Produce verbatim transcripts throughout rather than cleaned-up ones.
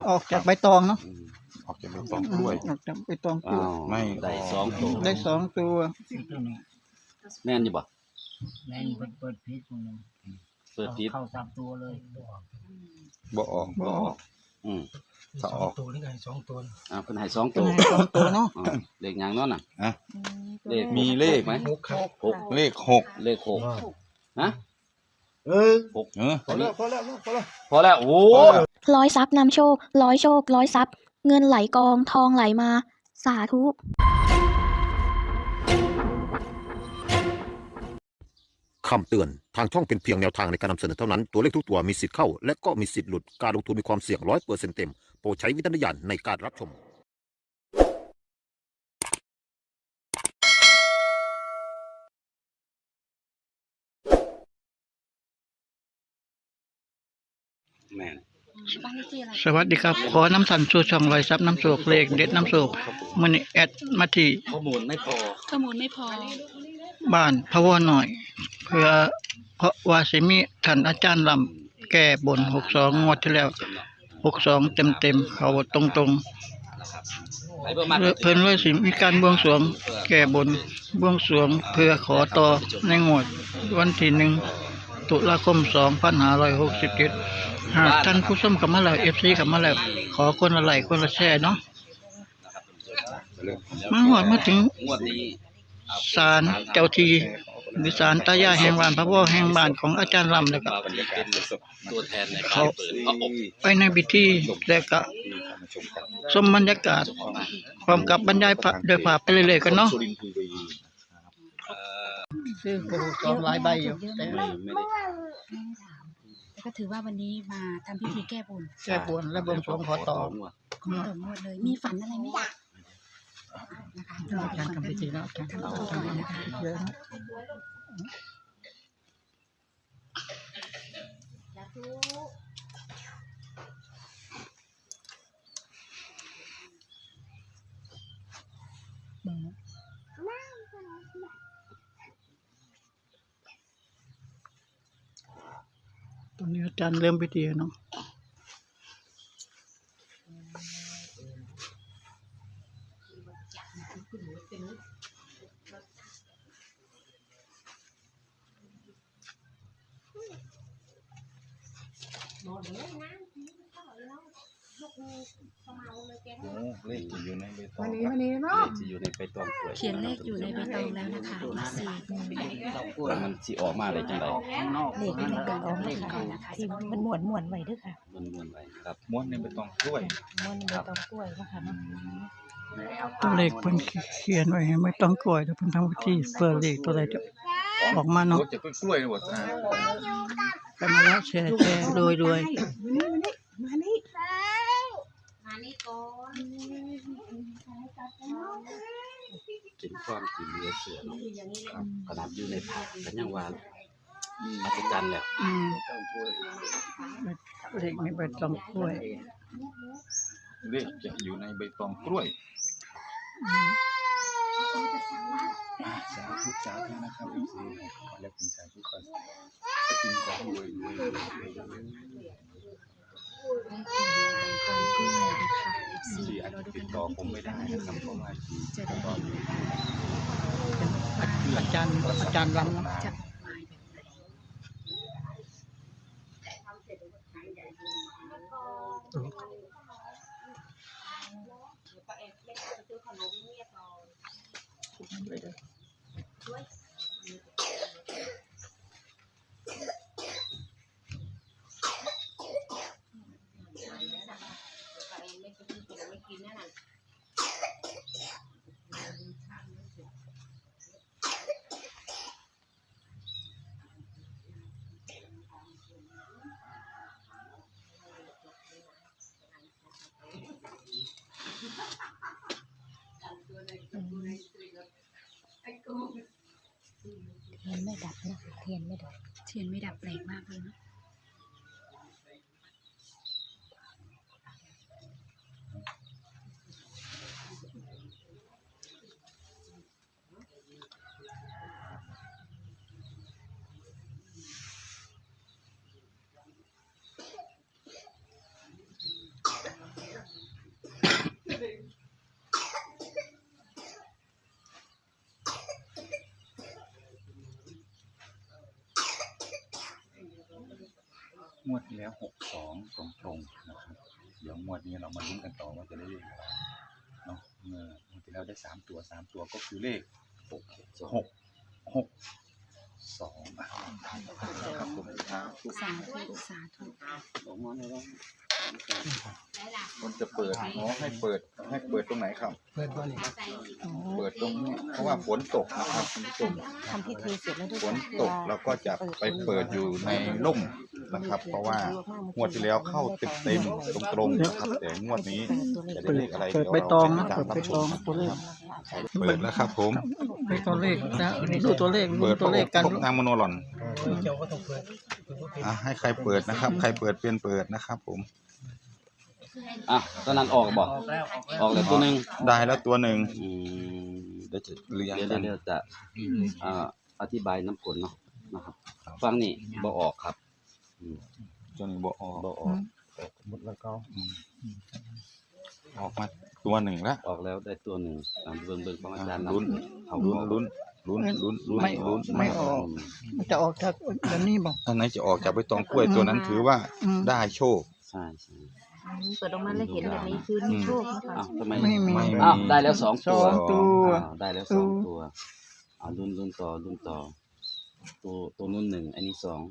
ออกจากใบตองเนาะออกจากใบตองกล้วยออกจากใบตองกล้วยไม่ได้สองตัวได้สองตัวแม่นอยู่บ่แม่นเปิดเปิดพิษตรงนึงเปิดผิดเข้าสามตัวเลยบ่ออกบ่ออกอืมถ้าออกตัวนี่ไงสองตัวอ่าเพิ่นให้สองตัเป็วนสองตัวเนาะเลขหยังเนาะน่ะอ่ะเลขมีเลขไหมหกครับหกเลขหกเลขหกฮะเออหกเออพอแล้วพอแล้วพอแล้วพอแล้วโอ้ร้อยทรัพย์นำโชคร้อยโชคร้อยทรัพย์เงินไหลกองทองไหลมาสาธุคำเตือนทางช่องเป็นเพียงแนวทางในการนำเสนอเท่านั้นตัวเลขทุกตัวมีสิทธิ์เข้าและก็มีสิทธิ์หลุดการลงทุนมีความเสี่ยงร้อยเปอร์เซ็นต์เต็มโปรดใช้วิจารณญาณในการรับชมแม่นสวัสดีครับขอน้ำสันสู่ช่องลอยซับน้ำโศกเลขเด็ดน้ำโศกมื้อนี้แอดมาที่ข้อมูลไม่พอข้อมูลไม่พอบ้านพะวอหน่อยเพื่อเพราะว่าสิมีท่านอาจารย์ลำแก้บนหกสิบสองงวดที่แล้วหกสิบสองเต็มๆเขาตรงๆเพิ่นเลยสิมีการบวงสรวงแก้บนบวงสรวงเพื่อขอต่อในงวดวันที่หนึ่งตุลาคมสองพันห้าร้อยหกสิบเจ็ดหากท่านผู้ชมเข้ามาแล้ว เอฟ ซี เข้ามาแล้วขอคนละไลค์คนละแชร์เนาะมาฮอดมาถึงงวดนี้ศาลเจ้าที่หรือศาลตายายแห่งบ้านพระพ่อแห่งบ้านของอาจารย์ลำแล้วก็ตัวแทนในเขาเปิดพระอบไปในพิธีแล้วก็ชมบรรยากาศพร้อมกับบรรยายพระโดยภาพไปเรื่อยๆกันเนาะซึ่งโอ้สองหลายใบอยู่แต่ไม่ไม่ได้ก็ถือว่าวันนี้มาทำพิธีแก้บนแก้บนและบวงสรวงขอต่อขอต่องวดเลยมีฝันอะไรไหมนะคะการทำพิธีเนาะการทำพิธีนะคะเยอะตอนนี้อาจารย์เริ่มพิธีเนาะเลขอยู่ในใบตองวันนี้วันนี้เนาะเลขที่อยู่ในใบตองกล้วยเขียนเลขอยู่ในใบตองแล้วนะคะสี่แล้วมันสิออกมาได้จังได๋เลขในใบตองเลขก่อนนะคะที่มันหมวนหมวนไว้ด้วยค่ะมันม่วนไว้ครับม้วนในใบตองกล้วยม้วนในใบตองกล้วยนะคะตัวเลขเพิ่นเขียนไว้ให้ไม่ต้องกล้วยแต่เพิ่นทำพิธีเพื่อเลขตัวใดจะออกมาเนาะจะกล้วยหมดนะไปมาแล้วแชร์แชร์รวยรวยมานี่มานี่ก่อนกินความกินเนื้อเสือเนาะครับขนาดอยู่ในผักก็ยังว่าอัศจรรย์แล้วอืมเลขในใบตองกล้วยเลขจะอยู่ในใบตองกล้วยสาธุสาธุนะครับเอฟซีขอแล้วเป็นสาธุก่อนก็กินของรวยรวยรวยสี่อาจจะติดต่อผมไม่ได้นะครับเพราะว่าที่ติดต่ออยู่อาจารย์อาจารย์ลำเนาะเทียนไม่ดับนะเทียนไม่ดับเทียนไม่ดับแปลกมากเลยนะงวดที่แล้วหกสองตรงๆนะครับเดี๋ยวงวดนี้เรามาลุ้นกันต่อว่าจะได้เลขอะไรเนาะเมื่องวดที่แล้วได้สามตัวสามตัวก็คือเลขหกหกหกสองครับผมครับสาธุสาธุมันจะเปิดอ๋อให้เปิดให้เปิดตรงไหนครับเปิดบ้านนี่เปิดตรงนี้เพราะว่าฝนตกนะครับคุณผู้ชมทำพิธีเสร็จแล้วด้วยฝนตกเราก็จะไปเปิดอยู่ในร่มนะครับ เพราะว่างวดที่แล้วเข้าเต็มๆตรงๆนะครับแต่งวดนี้จะได้เลขอะไรเปิดเดี๋ยวใบเราตองนะจะเปิดใบรับชตองมตัวเลขเปิดแล้วครับผมไปตัวเลขนะดูตัวเลขดูเปิดตัวเลขกันพบนางมโนหลอนเจ้าก็ต้องเปิดเปิดบ่เป็นอ่ะให้ใครเปิดนะครับ ใครเปิดเป็นเปิดนะครับ ผมอ่ะตอนนั้นออกบอกออกแล้วตัวหนึ่งได้แล้วตัวหนึ่งอืมเดี๋ยวจะเรียงเดี๋ยวกันเดี๋ยวจะอ่าอธิบายน้ำผลเนาะนะครับฟังนี่บ่ออกครับอืมตัวนี้บอกออกบ่ออกหมดแล้วก็ออกมาตัวหนึ่งแล้วออกแล้วได้ตัวหนึ่งตามเบิ่งเบิ่งของอาจารย์ลุ้นเอาลุ้นออกลุ้นลุ้นลุ้นลุ้นไม่ลุ้นไม่ออก มันจะออกจากอันนี้บอกอันไหนจะออกจากใบตองกล้วยตัวนั้นถือว่าอืมได้โชคใช่ใช่เปิดออกมาแล้วเห็นแบบนี้คือมีโชคนะคะอ้าวทำไมไม่มีไม่อ้าวได้แล้วสองสตัวองตัวอ้าวได้แล้วสองตัวอ่าลุ้นลุ้นต่อลุ้นต่อ ตัวตัวนู้นหนึ่งอันนี้สอง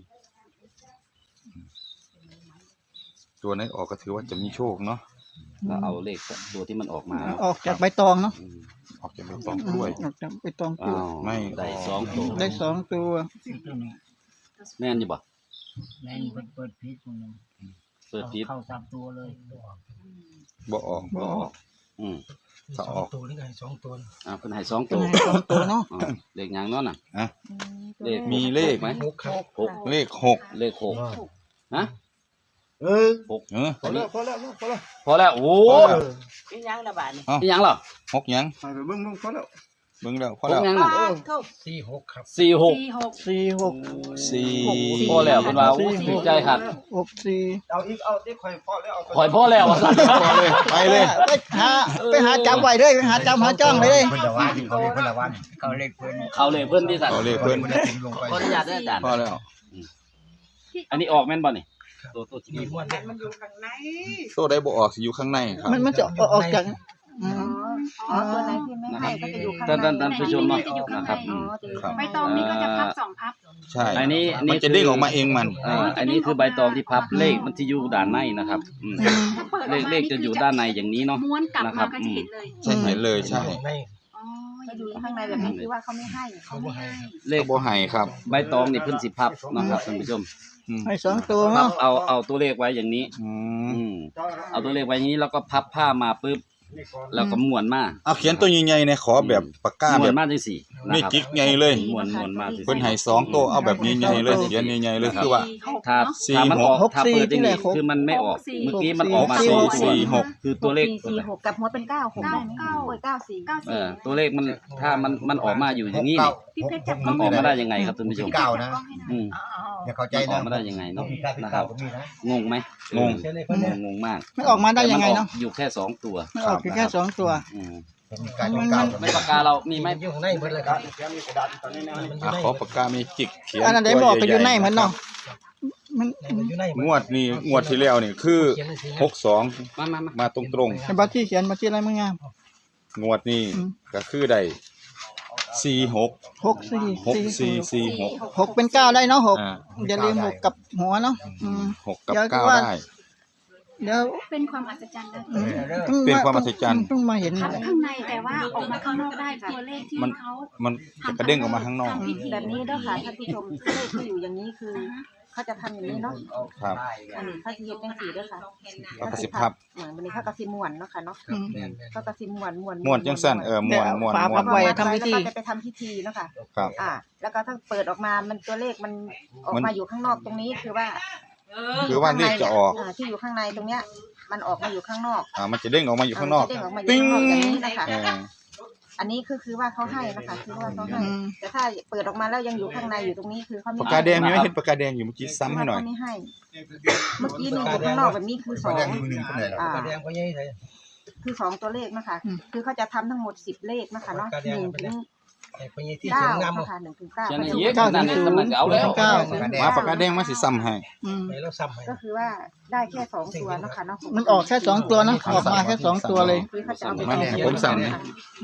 ตัวนั้นออกก็ถือว่าจะมีโชคเนาะแล้วเอาเลขตัวที่มันออกมาออกจากใบตองเนาะอืมออกจากใบตองกล้วยออกจากใบตองตัวอ้าวไม่ได้สองตัวได้สองตัวแม่นอยู่บ่แม่นเปิดเปิดพีชคนหนึงเปิดพิษเข้าสามตัวเลยบ่ออกบ่ออกอืมถ้าสอออง กตัวนี่ก็ให้สองตัวอ่าเพิ่นให้สองเป็ตันวไงสองตัวเนาะอ่าเลขหยังเนั่นน่ะอ่ะเลขมีเลขไหมหกครับหกเลขหกเลขหกฮะเออหกเออพอแล้วพอแล้วพอแล้วพอแล้วโอ้พอแล้วอีหยังละบาดนี่ยยังเหรอหกยังไปเบิ่งเบิ่งพอแล้วเบิ่งแล้วพอหแล้กวยังน่ะเข้าสี่หกครับสี่หกสี่หกสี่หกสี่พอแล้วเพิ่นว่าโอ้ถูกใจครับหกสี่เอาอีกเอาที่คอยพอแล้วเอาขอยพอแล้วอ่ะสั่นพอเลยไปเลยไปหาไปหาจำไว้เลยไปหาจำหาจ้องเลยเพิ่นละวันเขาเรียกเพิ่นละวันเขาเรียกเพิ่นเขาเลยเพิ่นที่สั่นเอาเลขเพิ่นลงไปขออนุญาตด้วยอาจารย์พอแล้วอันนี้ออกแม่นบ่นี่ตัวตัวที่มีม้วนเล่นมันอยู่ข้างในโซ่ได้บ่ออกสิอยู่ข้างในครับมันมันจะออกจากอืมอ๋อตัวไหนที่ไม่ให้ก็จะอยู่ข้างในท่านท่านท่านผู้ชมเนาะจะอยู่ข้างนะในครับอ๋อจะอยู่ครัข้าบงในใบตองนี้ก็จะพับสองพับใช่อันนี้มันจะเด้งออกมาเองมันอ่าอันนี้คือใบตองที่พับเลขมันจะอยู่ด้านในนะครับอืมเลขเลขจะอยู่ด้านในอย่างนี้เนาะม้วนกลับนะครัมาบก็จะเห็นเลยใช่เห็นเลยใช่ในอ๋อจะอยู่ข้างในแบบนี้คือว่าเขาไม่ให้เขาบ่ให้ครับเลขบ่ให้ครับใบตองนี่เพิ่นสิพับนะครับท่านผู้ชมอืมให้สองตัวพับเนาะเอาเอาตัวเลขไว้อย่างนี้อืมอืมเอาตัวเลขไว้อย่างนี้แล้วก็พับผ้ามาปุ๊บแล้วก็ม้วนมาเอาเขียนตัวใหญ่ๆในขอแบบปากกาม้แบวนบมาจังซี่นะนี่ครับกิ๊กใหญ่เลยม้วนม้วนมาจังเพิ่นซี่ให้สองตัวเอาแบบใหญ่ๆเลยเขียนใหญ่ๆเลยคือว่าถ้าสี่ถ้ามันออกหกถ้าสี่เปิดอย่างนี้ที่ไหนหกคือมันไม่ออกสี่เมื่อกี้มันออกมาสี่สองสี่ตัวหกคือตัวเลขสี่หกกับหัวเป็นเก้าหกได้ไหมเก้าเก้าสี่เก้าเอสี่อตัวเลขมันถ้ามันมันออกมาอยู่อย่างนี้นี่พี่เพชรจับกมัล้นองออกมาได้ยังไงครับท่านผู้ชมเก้านะอืมอย่าเข้าใจมันอนะอกมาได้ยังไงเนาะมีการเป็นนะคเก้ารับก็มีนะงงไหมงงเช่นนี้งเพิ่นเนี่ยงงงมากมันออกมาได้ยังไงเนาะแต่มัออกอยู่แค่สองตัวมันออกแค่สองตัวอืมมีการเป็นเก้าไม่ปากกาเรามีไหมมันอยู่ข้างในเพิ่นเลยครับมันอยู่อ่ะในขอปากกาเมจิกเขียนอันนั้นได้บอกไปอยู่ในเหมือนเนาะมันมันอยู่ในงวดนี้งวดที่แล้วนี่คือหกสองมามามามาตรงไอ้บัตรที่เขียนบัตรที่อะไรมึงงามๆงวดนี้อืมก็คือได้สี่หกหกสี่หกสี่สี่หกหกเป็นเก้าได้เนาะหกอ่าอย่าลืมหกกับหัวเนาะอืมหกกับเดี๋ยวเก้าว่าได้เดี๋ยวเป็นความอัศจรรย์นะอืมต้องเป็นความอัศจรรย์ต้องมาเห็นพับข้างในแต่ว่าออกมาข้างนอกได้ตัวเลขที่มันเขามันจะกระเด้งออกมาข้างนอกแบบนี้เด้อค่ะท่านผู้ชมเลขที่อยู่อย่างนี้คือเขาจะทำอย่างนี้เนาะครับอันนี้เขาจะเฮ็ดจังซี่เด้อค่ะเอากระสิบพับเหมือนวันนี้เขากระสิม้วนเนาะค่ะเนาะอืมเขากระสิม้วนม้วนม้วนจังสั้นเออม้วนม้วนฝาม้วพันบไว้ทำพิธีแล้วก็จะไปทำพิธีเนาะค่ะครับอ่า แล้วก็ถ้าเปิดออกมามันตัวเลขมันออกมาอยู่ข้างนอกตรงนี้คือว่าคือว่าเลขจะออกอ่าที่อยู่ข้างในตรงเนี้ย มันออกมาอยู่ข้างนอกอ่ามันจะเด้งออกมาอยู่ข้างนอกเด้งออกมาอยู่ปิ้งข้างนอกอย่างนี้นะคะเอออันนี้คือคือว่าเขาให้นะคะคือว่าเขาให้อืมแต่ถ้าเปิดออกมาแล้วยังอยู่ข้างในอยู่ตรงนี้คือเขาไม่ปากกาแดงมีไหมเห็นปากกาแดงอยู่เมื่อกี้ซ้ำให้หน่อยเขาไม่ให้ เมื่อกี้นี่อยู่ข้างนอกแบบนี้คือสองแดงอยู่หนึ่งคนไหนล่ะอ่ากระแดงก็ใหญ่เลยคือสองตัวเลขนะคะอืมคือเขาจะทำทั้งหมดสิบเลขนะคะเนาะปากกาแดหงนึ่งเป็นถึไงงไปยี่ที่เก้าเสียงนำนะคะหนึ่งถึงเก้าเขียนให้เยอะนั่นนี่สมันเอาแล้วเก้ามาปากกาแดงมาสิซ้ำให้อืมไปแล้วซ้ำให้ก็คือว่าได้แค่สองตัวเนาะค่ะเนาะมันออกแค่สองตัวนะออกมาแค่สองตัวเลยคือเขาจะเอาไปมาเนี่ยผมสั่งเนี่ย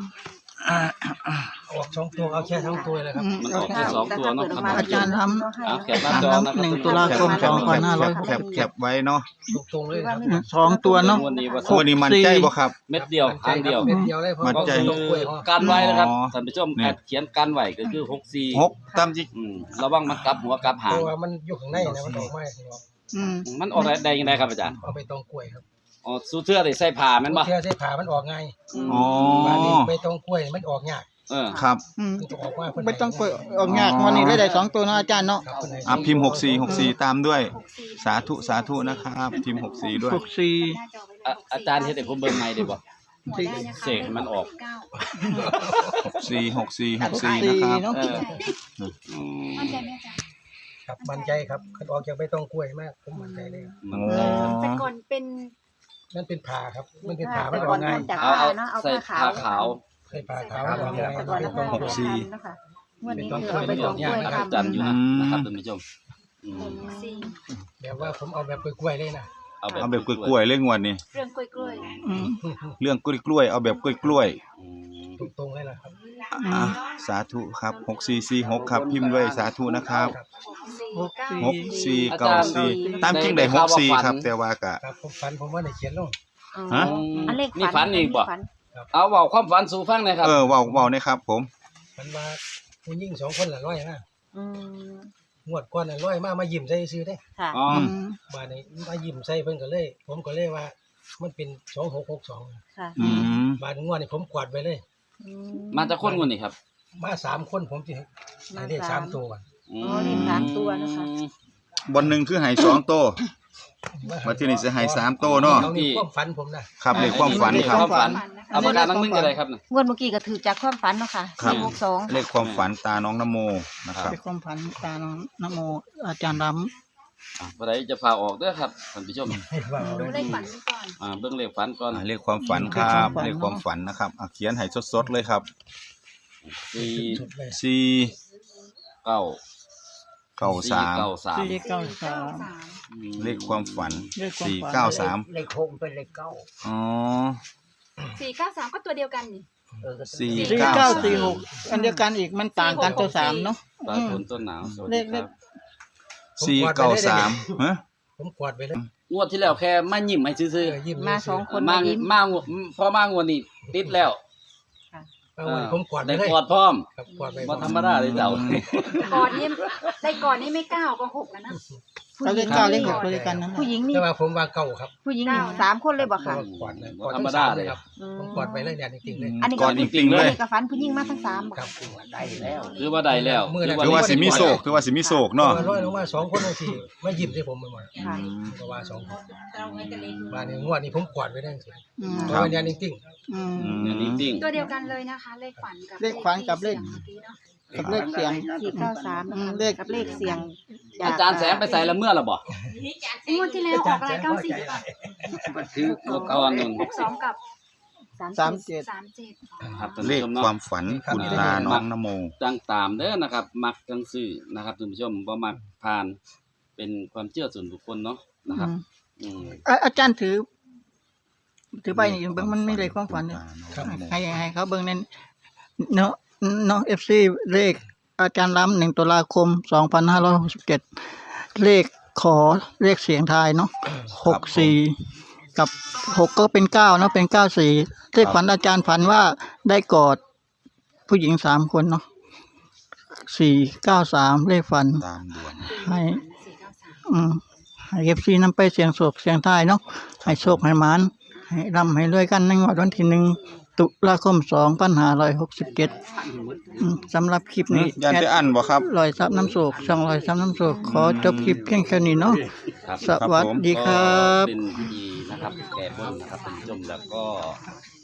ออกสองตัวเอาแค่สองตัวเลยครับอืมมันออกแค่สองตัวเนาะครับอาจารย์ทเอาแคปหน้าำจอทำนะคหนึ่งรับตุลาคมสองพันห้าร้อยหกแคสิบบ แคบไว้เนาะตรงๆเลยครับสองตัวเนาะวันนี้ว่าตัวนี้มันใจบ่ครับเม็ดเดียวครั้งเดียวเม็ดเดียวเลยเพราะมันก็ใจคือการไว้นะครับอ๋อท่านผู้ชมเนี่ยเขียนการไว้ก็คือหกสี่หกตามจิอืมระวังมันกลับหัวกลับหางตัวมันอยู่ข้างในนะมันออกมาข้างนอกอืมมันออกได้ยังไงครับอาจารย์เอาไปตองกล้วยครับอ๋อสู้เทื่อได้ใส่ผ้าแม่นบ่เที่ยวใช้ผ่ามันออกง่ายอ๋อบ้านนี้ไปตองกล้วยมันออกยากเออครับอืมมันจะออกมาเพิ่นไม่ต้องเปิดออกยากวันนี้ได้ได้สองตัวเนาะอาจารย์เนาะครับเพิ่นให้อ่ะพิมพ์หกสี่หกสี่ตามด้วย สาธุสาธุนะครับพิมพ์หกสี่ด้วยหกสี่อ่ะอาจารย์เฮ็ดให้ผมเบิ่งใหม่ได้บ่สี่เสกให้มันออกหกสี่หกสี่หกหกสี่สี่นะครับเนาะเอออืมครับมั่นใจครับคันออกจากไปตองกล้วยมากผมมั่นใจเลยครับมันอ๋อแต่ก่อนเป็นมันเป็นผ่าครับ มันเป็นผ่ามันออกง่ายจากเอาผ้าเอาเนาะเอาใส่ผ้าผ้าขาขาว วใช้ผ่าขาวออกง่ายแต่ก่อนไปเราตองก็กล้วยสี่ทำนะคะงวดนี้เป็นคือเอาไปเป็นตอรอง กกยาล้กวยนะครับทำอาจารย์อยู่นะอืมนะครับท่านผู้ชมอืมสี่แบบว่าผมเอาแบบกล้วยๆเลยนะเอาแบบเอาแบบกล้วยๆเรื่องงวดนี้เรื่องกล้วยกล้วยอืมเรื่องกล้วยๆเอาแบบกล้วยอืมตรงๆเลยนะครับๆอ่ะสาธุครับหกสี่สี่หกครับพิมพ์ด้วยสาธุนะครับสี่หกเก้าสี่หกสี่เก้าสี่ตามจริงได้หกสี่ครับ แต่ว่ากะครับผมฝันผมว่าได้เขียนลงฮะอันเลขนี่ฝันอีกบ่ฝันเอาเว้าความฝันสู่ฟังหน่อยครับเออเว้าเว้าเนี่ยครับผมมันว่าผู้หญิงสองคนละร้อยนะอืมงวดก่อนน่ะร้อยมามายิ้มใส่ซื้อได้ค่ะอ๋ออืมบ้านนี้มายิ้มใส่เพิ่นก็เลย ผมก็เลยว่า มันเป็นสองหกหกสองค่ะอืมบ้านงวดนี้ผมกวาดไปเลยอืมาจากคนคนนี้ครับมาสามคนผมจะให้เลขสามตัวก่อนอืมอ๋อเลขสามตัวนะคะบนหนึ่งคือให้สองโตมาที่นี่จะให้สามโตเนาะเอานี่ความฝันผมนะครับเลขความฝันครับความฝันเอาปากกาตั้งนึงก็ได้ครับน่ะงวดเมื่อกี้ก็ถือจากความฝันเนาะค่ะครับสี่หกสองเลขความฝันตาน้องนโมนะครับเป็นความพันตาน้องนโมอาจารย์รอ่ะบ่ได้จะพาออกเด้อครับท่านผู้ชมให้ว่าดูเลขฝันก่อนอ่าเบิ่งเลขฝันก่อนอ่าเลขความฝันครับเลขความฝันนะครับอ่ะเขียนให้สดๆเลยครับสี่สุดเลยสี่เก้าเก้าสามเก้าสาำมสี่เก้าสามอืมเลขความฝันเลขความฝันสี่เก้าสามเลขหกเป็นเลขเก้าอ๋อสี่เก้าสามก็ตัวเดียวกันนี่สี่สี่เก้าเก้าสามสี่หกอันเดียวกันอีกมันต่างกันตัวสามเนาะปลายฝนต้นหนาวสวัสดีครับสี่เก้าสามฮะผมกวาดไปเลยงวดที่แล้วแค่มายิ้มให้ซื่อเออยิ้มมาสองคนๆมายิ้มมางวดพอมางวดนี้ติดแล้วเอาไว้ผมกวาดไปได้เลยกอดพร้อมครับกวาดไปบ่ธรรมดาเลยเจ้าก่อนนี่ได้ก่อนนี่ไม่เก้าก็หกแล้วนะเราเลขเก้าเลขหกตัวเดียวกันนั่นผู้หญิงนี่แต่ว่าผมว่าเก้าครับผู้หญิงนี่สามคนเลยบ่ค่ะกวาดเลยบ่กวาดธรทั้รมงดาสามเลเลย ยคครัรับ บผมกวาดไปเลยเนี่ยจริงๆเลยอันนี้ก่ก็อนจริงๆเลยนี่ก็ฝันผู้หญิงมาทั้งสามบ่ครับได้แล้วคือว่าได้แล้วคือว่าสิมีโศกคือว่าสิมีโศกเนาะร้อยลงมาสองคนบางทีมายิ้มใส่ผมไปหมดค่ะเพราะว่าสองคนบ้านนี้งวดนี้ผมกวาดไปได้สิอืมเพราะว่าเนี่ยจริงอืมอืเนี่ยมจริงตัวเดียวกันเลยนะคะ เลขฝันกับเลขฝันกับเลขสียงมื่อกี้เนาะกับเลขเสียงสี่เก้าสามอืนะมคะเลขกับเลขเสียงๆอาจารย์แสงไปใส่ละเมื่อละบ่งวดที่แล้วออกอะไรเก้าสี่หรือเปล่าคืองวดก่อนนึงหกสองกับสามเจ็ดสามเจ็ดครับท่านเลผู้ขชมคเนาะวามฝันคุณตาน้องนโมจังตามเด้อนะครับ มักจังซื้อนะครับท่านผู้ชมบ่มักผ่านเป็นความเชื่อส่วนบุคคลเนาะนะครับ อืมอ่ะอาจารย์ถือ ถือไปนี่เบิ่งมันไม่เลขความฝันเนี่ย ให้ให้เขาเบิ่งนั่นเนาะเนาะ เอฟ ซี เลขอาจารย์ล้ำหนึ่งตุลาคมสองพันห้าร้อยหกสิบเจ็ดเลขขอเลขเสียงทายเนาะหกสี่กับหกก็เป็นเก้าเนาะเป็นเก้าสี่เลขฝันอาจารย์ฝันว่าได้กอดผู้หญิงสามคนเนาะสี่เก้าสามเลขฝันตามดวงให้สี่เก้าสามอืมให้เอฟซีนำไปเสียงโศกเสียงทายเนาะให้โชคให้หมานให้ร่ำให้รวยกันในงวดวันที่หนึ่งตุลาคมสองพันห้าร้อยหกสิบเจ็ดสำหรับคลิปนี้ยันจะอันบ่ครับลอยซับน้ำโศกช่องลอยซับน้ำโศกขอจบคลิปเพียงแค่นี้เนาะครับสวัสดีครับก็เป็นพิธีนะครับแก้บนนะครับท่านผู้ชมแล้วก็